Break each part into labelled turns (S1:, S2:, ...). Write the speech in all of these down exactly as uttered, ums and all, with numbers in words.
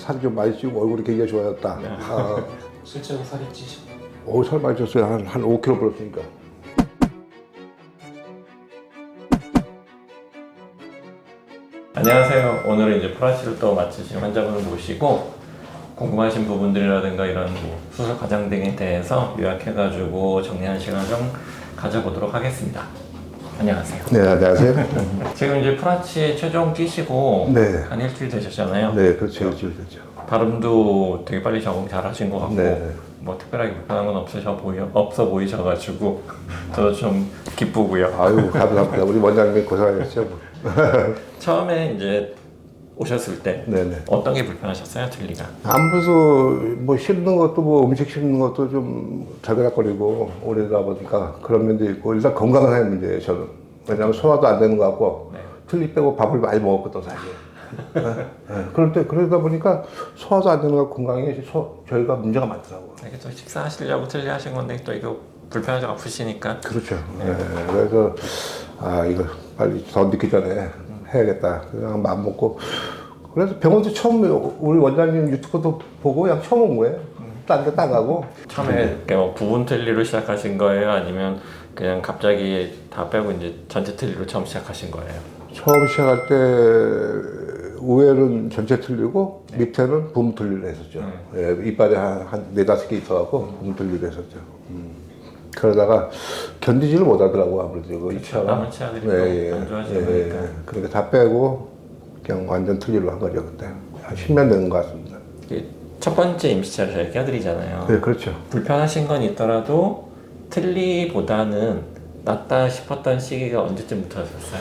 S1: 살이 좀 많이 찌고 얼굴이 굉장히 좋아졌다.
S2: 네.
S1: 아,
S2: 실제로 살이 찌시고
S1: 오, 살 많이 쪘어요. 한, 한 오 킬로그램 불었으니까.
S2: 안녕하세요. 오늘은 이제 프라치를 또 마치신 환자분을 모시고 궁금하신 부분들이라든가 이런 뭐 수술 과정 등에 대해서 요약해가지고 정리하는 시간을 좀 가져보도록 하겠습니다. 안녕하세요.
S1: 네, 안녕하세요.
S2: 지금 이제 프라치 최종 뛰시고
S1: 네.
S2: 한 일주일 되셨잖아요.
S1: 네, 그렇죠. 일주일 됐죠.
S2: 발음도 되게 빨리 적응 잘 하신 것 같고
S1: 네.
S2: 뭐 특별하게 불편한 건 없으셔 보여 없어 보이셔가지고 저도 좀 기쁘고요.
S1: 아유, 감사합니다. 우리 원장님 고생하셨죠. 뭐.
S2: 처음에 이제 오셨을 때
S1: 네네.
S2: 어떤 게 불편하셨어요, 틀리가?
S1: 아무래도 뭐 씹는 것도 뭐 음식 씹는 것도 좀 자그락거리고 오래다 보니까 그런 면도 있고 일단 건강한 문제예요, 저는. 왜냐하면 소화도 안 되는 것 같고
S2: 네.
S1: 틀리 빼고 밥을 많이 먹었거든 사실. 네. 네. 그럴 때 그러다 보니까 소화도 안 되는 것 같고 건강에 소, 저희가 문제가 많더라고요.
S2: 이게 또 식사하시려고 틀리 하신 건데 또 이거 불편하죠, 아프시니까.
S1: 그렇죠. 네. 그래서 아 이거 빨리 더 늦기 전에 해야겠다. 그냥 마음 먹고 그래서 병원도 처음 우리 원장님 유튜브도 보고 그냥 처음 온 거예요. 딴 데 따가고.
S2: 처음에 이렇게 뭐 부분 틀리로 시작하신 거예요, 아니면 그냥 갑자기 다 빼고 이제 전체 틀리로 처음 시작하신 거예요?
S1: 처음 시작할 때 우에는 전체 틀리고 네. 밑에는 부분 틀리로 했었죠. 네. 예, 이빨에 한, 한 네다섯 개 있어갖고 음. 부분 틀리로 했었죠. 음. 그러다가 견디지를 못하더라고 아무래도 그
S2: 그렇죠.
S1: 치아가.
S2: 남은 치아들이
S1: 예,
S2: 안 좋아지다
S1: 예,
S2: 보니까.
S1: 예. 그러니까 다 빼고 그냥 완전 틀리로 한 거죠 그때. 한 십 년 되는 것 같습니다.
S2: 첫 번째 임시치아를 저희 껴드리잖아요.
S1: 네, 그렇죠.
S2: 불편하신 건 있더라도 틀리보다는 낫다 싶었던 시기가 언제쯤부터였어요?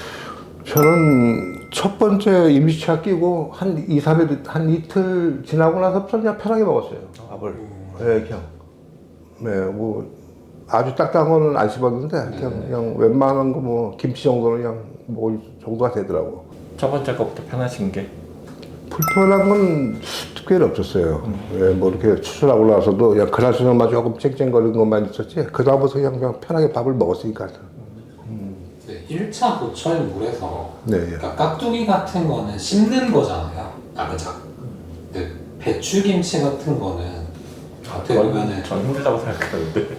S1: 저는 첫 번째 임시치아 끼고 한 이, 삼 일, 한 이틀 지나고 나서부터 그냥 편하게 먹었어요. 밥을. 네, 그냥. 네, 뭐, 아주 딱딱한 거는 안 씹었는데, 그냥, 그냥 웬만한 거 뭐, 김치 정도는 그냥 먹을 정도가 되더라고.
S2: 첫 번째 거부터 편하신 게?
S1: 불편한 건 특별히 없었어요. 음. 네, 뭐 이렇게 수술하고 나서도 그냥 그날 저녁만 조금 쨍쨍거리는 것만 있었지, 그다음부터 그냥, 그냥 편하게 밥을 먹었으니까.
S3: 네, 일 차 보철물에서
S1: 네,
S3: 그러니까 깍두기 같은 거는 씹는 거잖아요. 아, 그죠? 근데 배추김치 같은 거는 어떻게 보면은
S2: 전 힘들다고 생각하는데.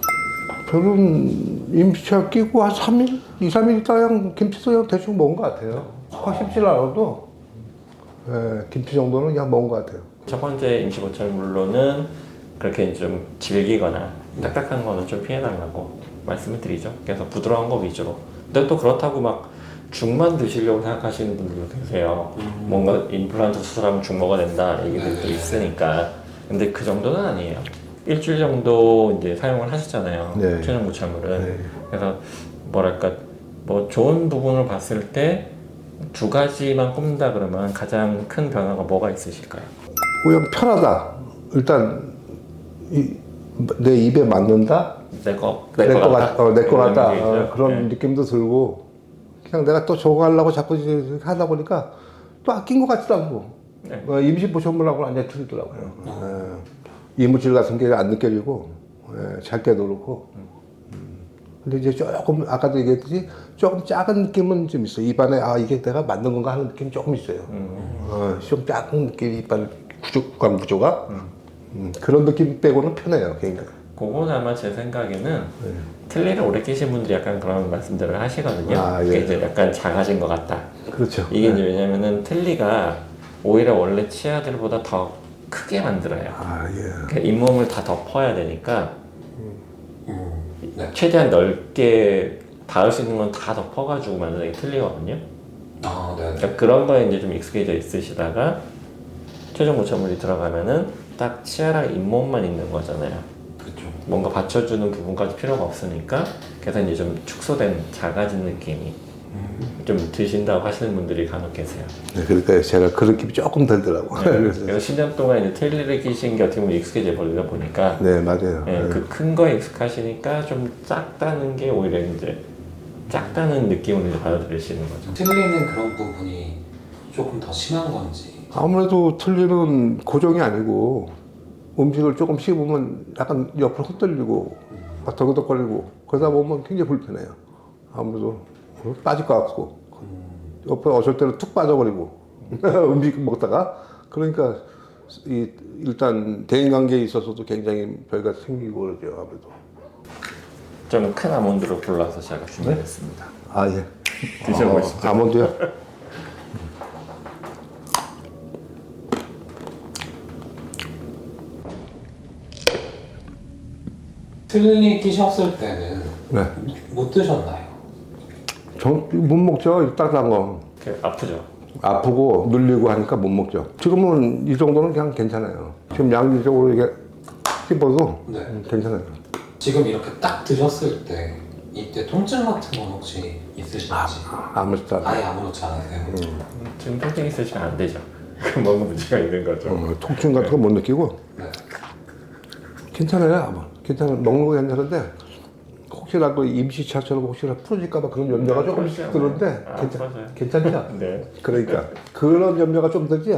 S1: 저는 임시치아 끼고 한 삼 일? 이, 삼 일 있다 그냥 김치도 그냥 대충 먹은 것 같아요. 확 씹질 않아도 예, 김치 정도는 그냥 먹은 것 같아요.
S2: 첫 번째 임시보철물로는 그렇게 좀 질기거나 딱딱한 거는 좀 피해달라고 말씀을 드리죠. 그래서 부드러운 거 위주로. 근데 또 그렇다고 막 죽만 드시려고 생각하시는 분들도 계세요. 음. 뭔가 임플란트 수술하면 죽 먹어야 된다 얘기들도 네. 있으니까. 근데 그 정도는 아니에요. 일주일 정도 이제 사용을 하셨잖아요.
S1: 네.
S2: 최종 보철물은.
S1: 네.
S2: 그래서 뭐랄까 뭐 좋은 부분을 봤을 때 두 가지만 꼽는다 그러면 가장 큰 변화가 뭐가 있으실까요?
S1: 그냥 편하다. 일단 이, 내 입에 맞는다.
S2: 내거
S1: 내 거 같다. 어, 내 거 같다.
S2: 네.
S1: 어, 그런
S2: 네.
S1: 느낌도 들고 그냥 내가 또 적응하려고 자꾸 이제 하다 보니까 또 아낀 것 같지도 않고
S2: 네.
S1: 어, 임시 보철물하고는 완전히 틀리더라고요. 어. 예, 이물질 같은 게 안 느껴지고 예, 잘 깨도 그렇고. 음. 근데 이제 조금 아까도 얘기했듯이 조금 작은 느낌은 좀 있어요. 입안에 아 이게 내가 만든 건가 하는 느낌이 조금 있어요. 음. 어, 좀 작은 느낌 입안 구조감 구조가 음. 음, 그런 느낌 빼고는 편해요. 그러니까.
S2: 그건 아마 제 생각에는
S1: 네.
S2: 틀니를 오래 끼신 분들이 약간 그런 말씀들을 하시거든요.
S1: 아, 예.
S2: 그게 이제 약간 작아진 것 같다.
S1: 그렇죠.
S2: 이게
S1: 네.
S2: 이제 왜냐면은 틀니가 오히려 원래 치아들보다 더 크게 만들어요.
S1: 아 예.
S2: 그러니까 잇몸을 다 덮어야 되니까
S3: 음, 네.
S2: 최대한 넓게 닿을 수 있는 건 다 덮어가지고 만드는 게 틀리거든요.
S3: 아, 네.
S2: 그러니까 그런 거에 이제 좀 익숙해져 있으시다가 최종 보철물이 들어가면은 딱 치아랑 잇몸만 있는 거잖아요.
S3: 그렇죠.
S2: 뭔가 받쳐주는 부분까지 필요가 없으니까 그래서 이제 좀 축소된 작아진 느낌이 음. 좀 드신다고 하시는 분들이 간혹 계세요.
S1: 네, 그러니까 제가 그 느낌이 조금 들더라고.
S2: 네. 그래서 십 년 동안 이제 틀니를 끼신 게 어떻게 보면 익숙해져 버리다 보니까
S1: 네, 맞아요.
S2: 네,
S1: 네.
S2: 그 큰 거에 익숙하시니까 좀 작다는 게 오히려 이제 작다는 느낌을 이제 받아들이시는 거죠.
S3: 틀리는 그런 부분이 조금 더 심한 건지.
S1: 아무래도 틀리는 고정이 아니고 음식을 조금 씹으면 약간 옆으로 흩돌리고 막 덜그덕거리고 그러다 보면 굉장히 불편해요. 아무래도 빠질 것 같고 옆에 어쩔 때는 툭 빠져버리고 음식 먹다가 그러니까 이 일단 대인관계에 있어서도 굉장히 별가 생기고 그러죠 아무래도.
S2: 좀 큰 아몬드로 골라서 제가 준비했습니다.
S1: 아 예.
S2: 드셔보시죠.
S1: 어, 아몬드요?
S3: 틀니 끼셨을 때는
S1: 네.
S3: 못 드셨나요?
S1: 전못 먹죠. 딱딱한 거.
S2: 그 아프죠?
S1: 아프고 눌리고 하니까 못 먹죠. 지금은 이 정도는 그냥 괜찮아요. 지금 양리적으로 이게 씹어도
S3: 네.
S1: 음, 괜찮아요.
S3: 지금 이렇게 딱 드셨을 때 이때 통증 같은 건 혹시 있으신지?
S1: 아무렇지도 않아요.
S3: 아예 아무렇지 않으세요?
S2: 지금 통증 있으시면 안 되죠. 그럼 뭔가 문제가 있는 거죠.
S1: 어, 통증 같은 거 못 느끼고
S3: 네.
S1: 괜찮아요. 아마 괜찮아요. 먹는 거 괜찮은데 혹시라도 임시차처럼 혹시나 풀어질까봐 그런 염려가 조금씩
S2: 풀어지지
S1: 드는데
S2: 않아요. 아,
S1: 괜찮,
S2: 풀어져요.
S1: 괜찮죠?
S2: 네.
S1: 그러니까 그런 염려가 좀 들지.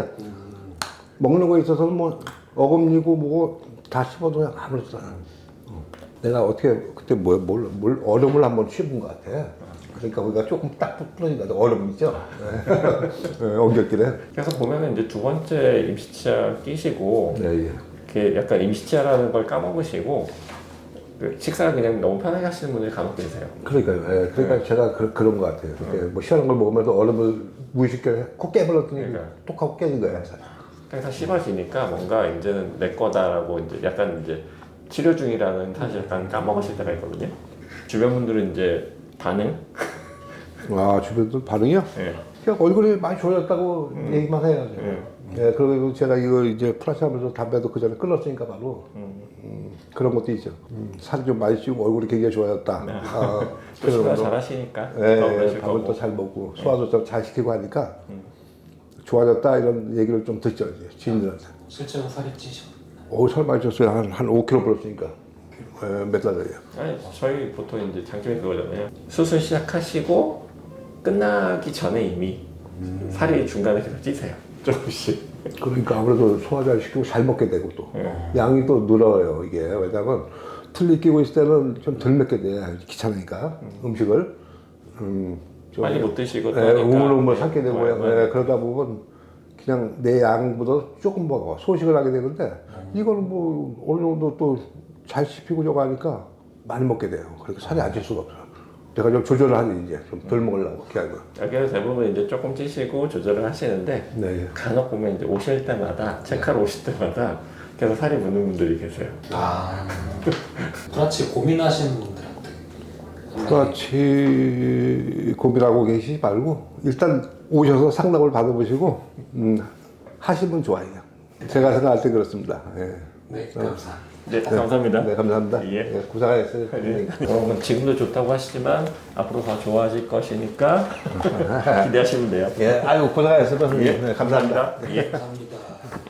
S1: 먹는 거에 있어서는 뭐 어금니고 뭐고 다 씹어도 그냥 아무렇지도 않아. 어. 내가 어떻게 그때 뭐, 뭘, 뭘 얼음을 한번 씹은 것 같아. 그러니까 우리가 조금 딱 부러진다. 얼음 있죠? 네, 엉겹길에.
S2: 그래서 보면은 이제 두 번째 임시치아 끼시고
S1: 네, 예.
S2: 이렇게 약간 임시치아라는 걸 까먹으시고 그 식사를 그냥 너무 편하게 하시는 분들이 간혹 계세요.
S1: 그러니까요. 예, 그러니까 제가 그, 그런 것 같아요. 그때 뭐 시원한 걸 먹으면서 얼음을 무의식적으로 콕 깨버렸더니
S2: 그러니까요.
S1: 톡 하고 깨진 거야.
S2: 항상 씹어지니까 뭔가 이제는 내 거다라고 이제 약간 이제 치료 중이라는 사실 약간 까먹으실 때가 있거든요. 주변 분들은 이제 반응?
S1: 와, 주변도 반응이요?
S2: 예.
S1: 그냥 얼굴이 많이 좋아졌다고 얘기만 해야죠.
S2: 음.
S1: 예, 그리고 제가 이거 이제 플러스 하면서 담배도 그 전에 끊었으니까 바로 음, 그런 것도 있죠. 음, 살이 좀 많이 찌고 얼굴이 굉장히 좋아졌다.
S2: 네.
S1: 아,
S2: 또 식사
S1: 그런
S2: 잘
S1: 거.
S2: 하시니까
S1: 예,
S2: 더
S1: 예,
S2: 그러실
S1: 밥을
S2: 거고.
S1: 또 잘 먹고 소화도 좀 잘 시키고 하니까 좋아졌다 이런 얘기를 좀 듣죠 이제 지인들한테.
S3: 실제로 살이 찌셨나요?
S1: 오, 살 많이 쪘어요. 한, 한 오 킬로그램 불었으니까. 예, 몇 달 전에요.
S2: 아니 저희 보통 이제 장점이 그거잖아요. 수술 시작하시고 끝나기 전에 이미 살이 중간에 계속 찌세요. 조금씩.
S1: 그러니까 아무래도 소화 잘 시키고 잘 먹게 되고 또
S2: 예.
S1: 양이 또 늘어요 이게. 왜냐면 틀니 끼고 있을 때는 좀 덜 먹게 돼. 귀찮으니까 음식을. 음, 좀
S2: 많이 못 드시고 또
S1: 예,
S2: 하니까.
S1: 우물우물 삼게 되고
S2: 네, 네.
S1: 예, 그러다 보면 그냥 내 양보다 조금 먹어 소식을 하게 되는데 이거는 뭐 어느 정도 또 잘 씹히고 저거 하니까 많이 먹게 돼요. 그러니까 살이 안 찔 수가 없어요. 제가 좀 조절을 하니 이제 좀 덜 먹으려고 기하면.
S2: 여기서 대부분 이제 조금 찌시고 조절을 하시는데
S1: 네. 예.
S2: 간혹 보면 이제 오실 때마다 체크하러 오실 때마다 계속 살이 붙는 분들이 계세요.
S3: 아, 그렇지 고민하시는 분들한테
S1: 그렇지 고민하고 계시지 말고 일단 오셔서 상담을 받아보시고 음, 하시면 좋아요. 제가 생각할 때 그렇습니다. 예.
S3: 네 감사합니다.
S2: 네, 감사합니다.
S1: 네, 감사합니다.
S2: 예.
S1: 예, 고생하셨어요.
S2: 네. 어, 지금도 좋다고 하시지만 앞으로 더 좋아질 것이니까 기대하시면 돼요.
S1: 예, 아유 고생하셨어요.
S2: 예,
S1: 네, 감사합니다.
S2: 예.
S3: 감사합니다.